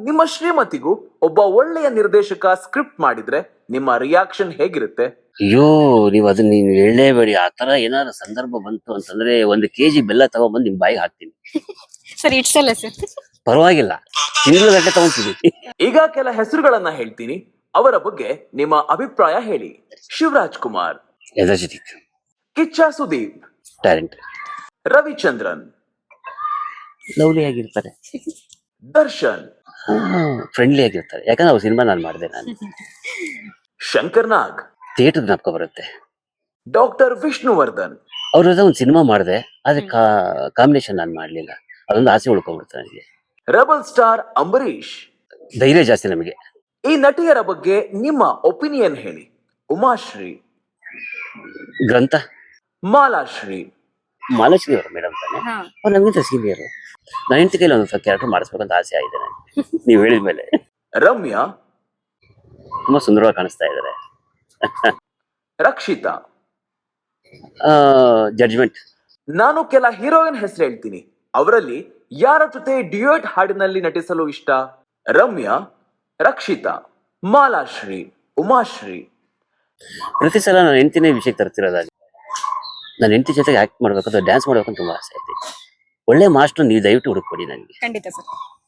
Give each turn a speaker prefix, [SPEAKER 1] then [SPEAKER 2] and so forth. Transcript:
[SPEAKER 1] ನಿಮ್ಮ ಶ್ರೀಮತಿಗೂ ಒಬ್ಬ ಒಳ್ಳೆಯ ನಿರ್ದೇಶಕ ಸ್ಕ್ರಿಪ್ಟ್ ಮಾಡಿದ್ರೆ ನಿಮ್ಮ ರಿಯಾಕ್ಷನ್ ಹೇಗಿರುತ್ತೆ?
[SPEAKER 2] ಅಯ್ಯೋ, ನೀವು ಅದನ್ನ ನೀನ್ ಹೇಳಲೇಬೇಡಿ. ಆ ತರ ಏನಾದ್ರು ಸಂದರ್ಭ ಬಂತು ಅಂತಂದ್ರೆ 1 kg ಬೆಲ್ಲ ತಗೊಂಡ್ಬಂದು ನಿಮ್ ಬಾಯಿಗೆ ಹಾಕ್ತೀನಿ.
[SPEAKER 3] ಸರ್ ಇಟ್ಸಲ್ಲ ಸರ್.
[SPEAKER 2] ಪರವಾಗಿಲ್ಲ, ತಿಂಗಳಗಟ್ಟಲೆ ತಗೊಂತೀನಿ.
[SPEAKER 1] ಈಗ ಕೆಲ ಹೆಸರುಗಳನ್ನ ಹೇಳ್ತೀನಿ, ಅವರ ಬಗ್ಗೆ ನಿಮ್ಮ ಅಭಿಪ್ರಾಯ ಹೇಳಿ. Shivaraj Kumar,
[SPEAKER 2] energetic,
[SPEAKER 1] Kichcha Sudeep,
[SPEAKER 2] talent,
[SPEAKER 1] Ravichandran,
[SPEAKER 2] lovely ಆಗಿರ್ತಾರೆ,
[SPEAKER 1] ದರ್ಶನ್,
[SPEAKER 2] ಫ್ರೆಂಡ್ಲಿ ಆಗಿರ್ತಾರೆ. ಯಾಕಂದ್ರೆ ಅವ್ರ ಸಿನಿಮಾ ನಾನು ಮಾಡಿದೆ. ನಾನು
[SPEAKER 1] ಶಂಕರ್ ನಾಗ್,
[SPEAKER 2] ಥಿಯೇಟರ್ ಜ್ಞಾಪಕ ಬರುತ್ತೆ.
[SPEAKER 1] ಡಾಕ್ಟರ್ ವಿಷ್ಣುವರ್ಧನ್,
[SPEAKER 2] ಅವ್ರ ಜೊತೆ ಒಂದು ಸಿನಿಮಾ ಮಾಡಿದೆ, ಆದ್ರೆ ಕಾಂಬಿನೇಷನ್ ನಾನು ಮಾಡ್ಲಿಲ್ಲ. ಅದೊಂದು ಆಸೆ ಉಳ್ಕೊಂಡ್ಬಿಡ್ತು ನನಗೆ.
[SPEAKER 1] Rebel star Ambareesh.
[SPEAKER 2] ಧೈರ್ಯ ಜಾಸ್ತಿ ನಮಗೆ.
[SPEAKER 1] ಈ ನಟಿಯರ ಬಗ್ಗೆ ನಿಮ್ಮ ಒಪಿನಿಯನ್ ಹೇಳಿ. ಉಮಾಶ್ರೀ,
[SPEAKER 2] ಗ್ರಂಥ,
[SPEAKER 1] ಮಾಲಾಶ್ರೀ,
[SPEAKER 2] ಮಾಲಶ್ರೀ ಅವರು ಮೇಡಮ್ ತಾನೆ, ಅವ್ರು ನಮ್ಗಿಂತ ಸೀನಿಯರ್. ನನ್ನ ಹೆಂಡತಿ ಕೈಲಿ ಒಂದು ಕ್ಯಾರೆಕ್ಟರ್ ಮಾಡಿಸ್ಬೇಕಂತ ಆಸೆ ಆಗಿದೆ ನನಗೆ. ನೀವು ಹೇಳಿದ ಮೇಲೆ
[SPEAKER 1] ರಮ್ಯಾ,
[SPEAKER 2] ತುಂಬಾ ಸುಂದರವಾಗಿ ಕಾಣಿಸ್ತಾ ಇದ್ದಾರೆ.
[SPEAKER 1] ರಕ್ಷಿತಾ.
[SPEAKER 2] ಜಡ್ಜ್ಮೆಂಟ್.
[SPEAKER 1] ನಾನು ಕೆಲ ಹೀರೋಯಿನ್ ಹೆಸರು ಹೇಳ್ತೀನಿ, ಅವರಲ್ಲಿ ಯಾರ ಜೊತೆ ಡ್ಯೂಯೆಟ್ ಹಾಡಿನಲ್ಲಿ ನಟಿಸಲು ಇಷ್ಟ? ರಮ್ಯಾ, ರಕ್ಷಿತಾ, ಮಾಲಾಶ್ರೀ, ಉಮಾಶ್ರೀ.
[SPEAKER 2] ಪ್ರತಿ ಸಲ ನನ್ನ ಹೆಂಡತಿನೇ ವಿಷಯಕ್ಕೆ ತರ್ತಿರೋದಾಗಿ. ನನ್ನ ಹೆಂಡತಿ ಜೊತೆಗೆ ಆಕ್ಟ್ ಮಾಡ್ಬೇಕಂತ, ಡ್ಯಾನ್ಸ್ ಮಾಡ್ಬೇಕಂತ ತುಂಬಾ ಆಸೆ ಐತಿ. ಒಳ್ಳೆ ಮಾಸ್ಟರ್ ನೀವು ದಯವಿಟ್ಟು ಹುಡುಕ್ಕೊಡಿ ನನಗೆ.
[SPEAKER 3] ಖಂಡಿತ ಸರ್.